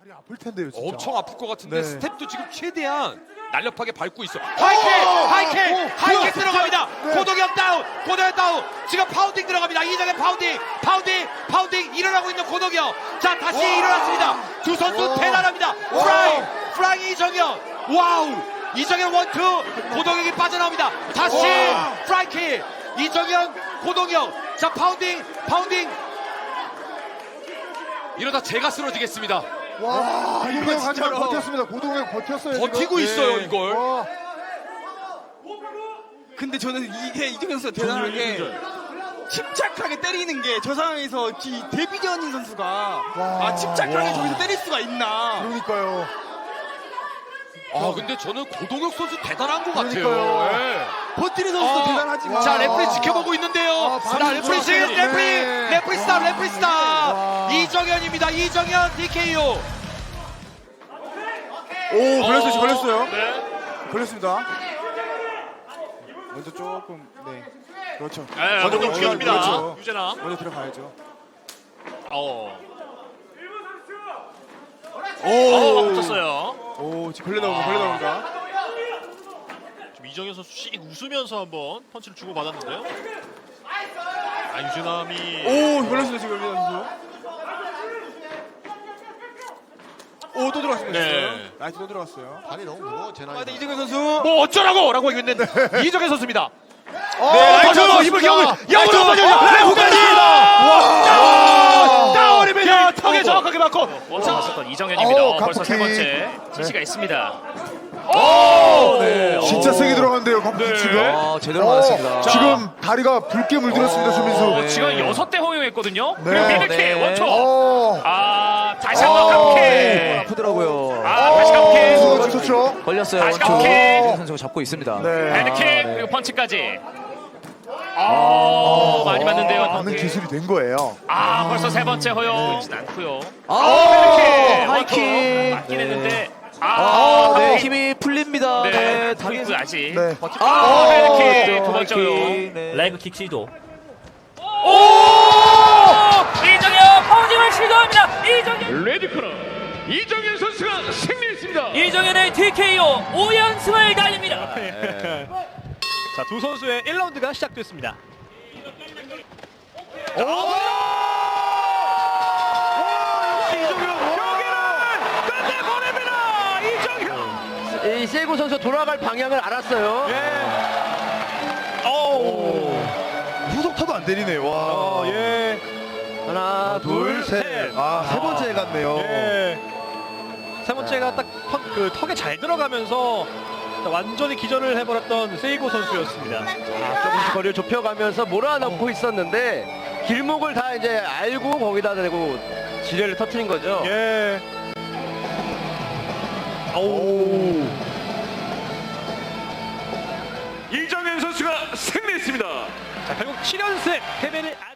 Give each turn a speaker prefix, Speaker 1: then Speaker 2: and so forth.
Speaker 1: 다리 아플 텐데요, 진짜.
Speaker 2: 엄청 아플 것 같은데
Speaker 1: 네.
Speaker 2: 스텝도 지금 최대한 날렵하게 밟고 있어. 하이킥 들어갑니다.
Speaker 1: 네.
Speaker 2: 고동현 다운. 지금 파운딩 들어갑니다. 이정현 파운딩 일어나고 있는 고동현. 자 다시 일어났습니다. 두 선수 대단합니다. 프라이 이정현. 와우. 이정현 원투. 고동현이 빠져나옵니다. 다시 프라이킥. 이정현 고동현. 자 파운딩. 이러다 제가 쓰러지겠습니다.
Speaker 1: 와, 고동현 하지만 버텼습니다. 고동현 버텼어요.
Speaker 2: 버티고
Speaker 1: 지금.
Speaker 2: 있어요,
Speaker 1: 네.
Speaker 2: 이걸.
Speaker 1: 와,
Speaker 3: 근데 저는 이게 이정현 선수가 대단한 게 침착하게 때리는 게 저 상황에서 이 데뷔전인 선수가 침착하게 저기서 때릴 수가 있나.
Speaker 1: 그러니까요.
Speaker 2: 근데 저는 고동혁 선수 대단한 것 같아요.
Speaker 1: 그러니까요.
Speaker 2: 예.
Speaker 3: 버티는 선수도 대단하지만
Speaker 2: 자 레프리 지켜보고 있는데요. 자 레프리 지금 레프리 스탑. 이정현입니다. 이정현 DKO.
Speaker 1: 오, 걸렸어요.
Speaker 2: 네.
Speaker 1: 걸렸습니다. 먼저 조금, 네. 그렇죠.
Speaker 2: 네, 먼저 움직여줍니다.
Speaker 1: 그렇죠.
Speaker 2: 유재나.
Speaker 1: 먼저 들어가야죠.
Speaker 4: 붙었어요.
Speaker 1: 오, 지금 걸려나옵니다.
Speaker 4: 지금 이정현 선수 씩 웃으면서 한번 펀치를 주고 받았는데요. 유진남이
Speaker 1: 오, 걸렸어요, 지금 유재 선수. 오, 또 들어갔습니다.
Speaker 4: 네.
Speaker 1: 라이트 또 들어갔어요.
Speaker 5: 발이 너무 무거워 제 나이.
Speaker 1: 이정현 선수.
Speaker 2: 뭐 어쩌라고라고 했는데 이정현 선수입니다.
Speaker 1: 라이트
Speaker 2: 힘을 역으로 레프까지. 다운입니다. 턱에 정확하게 맞고.
Speaker 4: 먼저 왔었던 이정현입니다. 벌써
Speaker 1: 갑자기.
Speaker 4: 세 번째 지시가 있습니다.
Speaker 1: 진짜 세게 들어간대요, 갑자기 지금.
Speaker 6: 제대로 맞았습니다.
Speaker 1: 지금 다리가 붉게 물들었습니다, 조민수.
Speaker 4: 지금 6대 허용했거든요.
Speaker 1: 네.
Speaker 4: 그리고 미들킥
Speaker 6: 네.
Speaker 4: 원초. 다시 한번
Speaker 6: 네,
Speaker 4: 깜킥.
Speaker 6: 아프더라고요.
Speaker 4: 다시 깜킥.
Speaker 1: 좋죠.
Speaker 6: 걸렸어요.
Speaker 4: 다시
Speaker 6: 원초.
Speaker 4: 깜킥.
Speaker 6: 이정 선수가 잡고 있습니다.
Speaker 1: 네.
Speaker 4: 헤드킥 그리고 펀치까지. 많이 맞는데요.
Speaker 1: 많은 기술이 된 거예요.
Speaker 4: 벌써 세 번째 허용이진 않고요.
Speaker 6: 하이킥.
Speaker 4: 맞긴 했는데.
Speaker 6: 네, 힘이 풀립니다.
Speaker 4: 네,
Speaker 6: 네,
Speaker 4: 당연히
Speaker 6: 당연히.
Speaker 4: 아직.
Speaker 1: 네.
Speaker 4: 헤드킥 두 번째 허용.
Speaker 6: 네.
Speaker 7: 레그 킥 시도.
Speaker 4: 이정현 파운딩을 시도합니다. 이정현.
Speaker 2: 레디코너 이정현 선수가 승리했습니다.
Speaker 7: 이정현의 TKO 5연승을 달립니다.
Speaker 8: 자, 두 선수의 1라운드가 시작됐습니다.
Speaker 7: 이 세고 선수 돌아갈 방향을 알았어요.
Speaker 1: 후속타도 안 때리네요. 와.
Speaker 7: 하나, 둘, 셋.
Speaker 1: 세 번째 갔네요.
Speaker 8: 세 번째가 딱 턱에 잘 들어가면서 완전히 기절을 해버렸던 세이고 선수였습니다.
Speaker 7: 조금씩 거리를 좁혀가면서 몰아넣고 있었는데 길목을 다 이제 알고 거기다 대고 지뢰를 터트린 거죠.
Speaker 2: 이정현 선수가 승리했습니다.
Speaker 8: 자, 결국 7연승 패배를